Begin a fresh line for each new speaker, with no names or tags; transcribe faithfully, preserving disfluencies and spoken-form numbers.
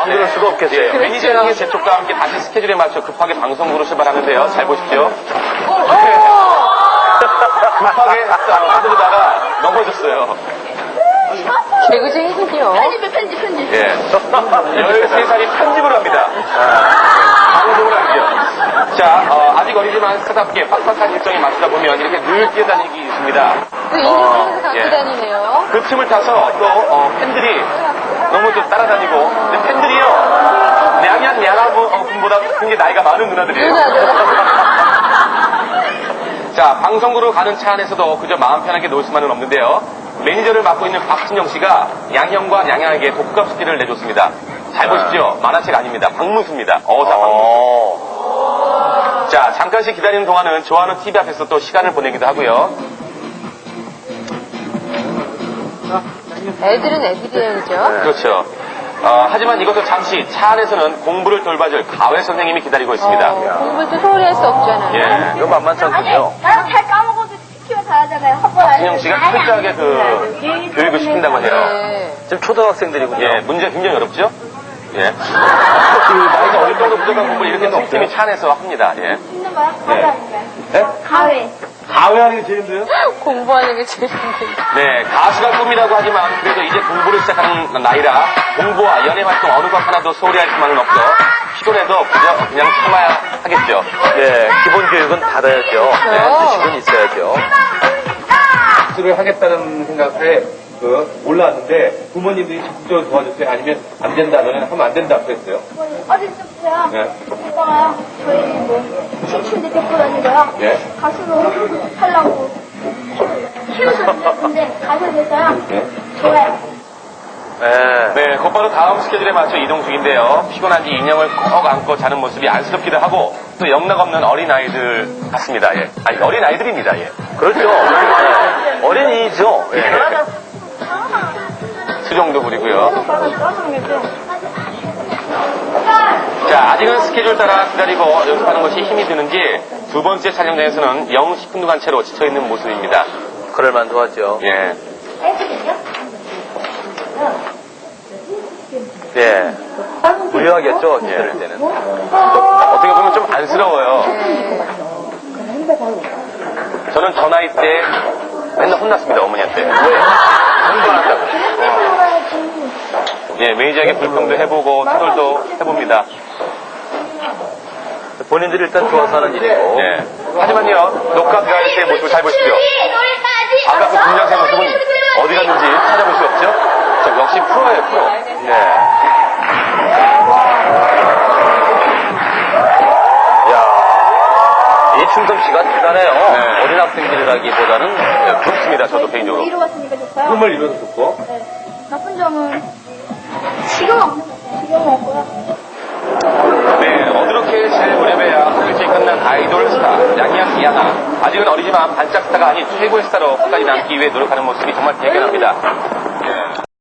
안 그럴 수가 없겠어요.
예, 매니저의 재촉과 함께 다시 스케줄에 맞춰 급하게 방송국으로 출발하는데요. 잘 보십시오. 급하게 하다가 넘어졌어요.
개구쟁이군요.
편집해, 편집, 편집.
예. 열세 살이 편집을 합니다. 방송을 하죠. 자, 어, 아직 어리지만 스타답게 빡빡한 일정에 맞추다 보면 이렇게 늘 뛰어다니기 있습니다.
그 인생에서 갖고
예.
다니네요.
그 틈을 타서 또 어, 팬들이 너무 좀 따라다니고, 근데 팬들이요, 냥냥 냥하고 분보다 굉장히 나이가 많은 누나들이에요. 자, 방송국으로 가는 차 안에서도 그저 마음 편하게 놀 수만은 없는데요. 매니저를 맡고 있는 박진영 씨가 양형과 양양에게 독감 숙제를 내줬습니다. 잘 보십시오. 만화책 아닙니다. 박문수입니다. 어사 박문수. 자, 잠깐씩 기다리는 동안은 좋아하는 티비 앞에서 또 시간을 보내기도 하고요.
애들은 애들이죠.
그렇죠. 어, 하지만 이것도 잠시 차 안에서는 공부를 돌봐줄 가외 선생님이 기다리고 있습니다.
어, 공부를 또 소홀히 할 수 없잖아요.
예.
이거 만만치 않군요.
나는 잘 까먹어도 시키면 다 하잖아요. 한번
박진영 씨가 철저하게 그 교육을 시킨다고 해요.
네.
지금 초등학생들이군요.
예, 문제가 굉장히 어렵죠? 예. 그 나이가 어릴 정도 부족한 공부를 이렇게 틈틈이 차 안에서 합니다. 예.
있는 거야? 가위 아닌가요?
네?
가위.
가외하는 게 제일 힘들어요?
공부하는 게 제일 힘들다.
네, 가수가 꿈이라고 하지만 그래도 이제 공부를 시작하는 나이라 공부와 연예 활동 어느 것 하나도 소홀히 할 수만은 없어 피곤해도 그저 그냥 참아야 하겠죠.
예, 기본 교육은 받아야죠. 네, 지식은 있어야죠.
수를 하겠다는 생각에 그 올라왔는데 부모님들이 적극적으로 도와줬어요? 아니면 안 된다, 너는 하면 안 된다 그랬어요?
어릴 때부터요.
네.
오빠가요. 저희 뭐 춤추는데 데리고 다니고요.
네.
가수로 하려고 키우셨는데 가수가 됐어요.
네.
좋아요.
네.
네, 곧바로 다음 스케줄에 맞춰 이동 중인데요. 피곤한지 인형을 꼭 안고 자는 모습이 안쓰럽기도 하고 또 영락없는 어린아이들 같습니다. 예. 아니, 어린아이들입니다. 예.
그렇죠. 네. 어린이죠. 예.
수정도 부리고요. 자, 아직은 스케줄 따라 기다리고 연습하는 것이 힘이 드는지 두 번째 촬영장에서는 영 시큰둥한 채로 지쳐있는 모습입니다.
그럴만도 하죠.
예.
예. 무료하겠죠, 기다릴 때는.
어떻게 보면 좀 안쓰러워요. 저는 저 나이 때 맨날 혼났습니다, 어머니한테. 왜? 공부 안 한다고. 예, 매니저에게 불평도 해보고 투덜도 해봅니다.
본인들이 일단 좋아서 하는 일이고.
예. 하지만요, 녹화 들어갈 때의 모습을 잘 보십시오. 아까 그 분장생 모습은 어디 갔는지 찾아볼 수 없죠? 자, 역시 프로예요, 프로.
네. 이야, 이 춤 솜씨가 대단해요.
네.
어린 학생들이라기보다는.
예, 부럽습니다, 저도 개인적으로.
이루 갔으니까 좋고요.
꿈을 이뤄서 좋고.
네. 나쁜 점은 지금 없는 것 같아요. 지금 없고요.
네, 어드럽게 잘 무렵에야 일찍 끝난 아이돌 스타, 양양 이하나. 아직은 어리지만 반짝 스타가 아닌 최고의 스타로 끝까지 남기 위해 노력하는 모습이 정말 대견합니다. 예.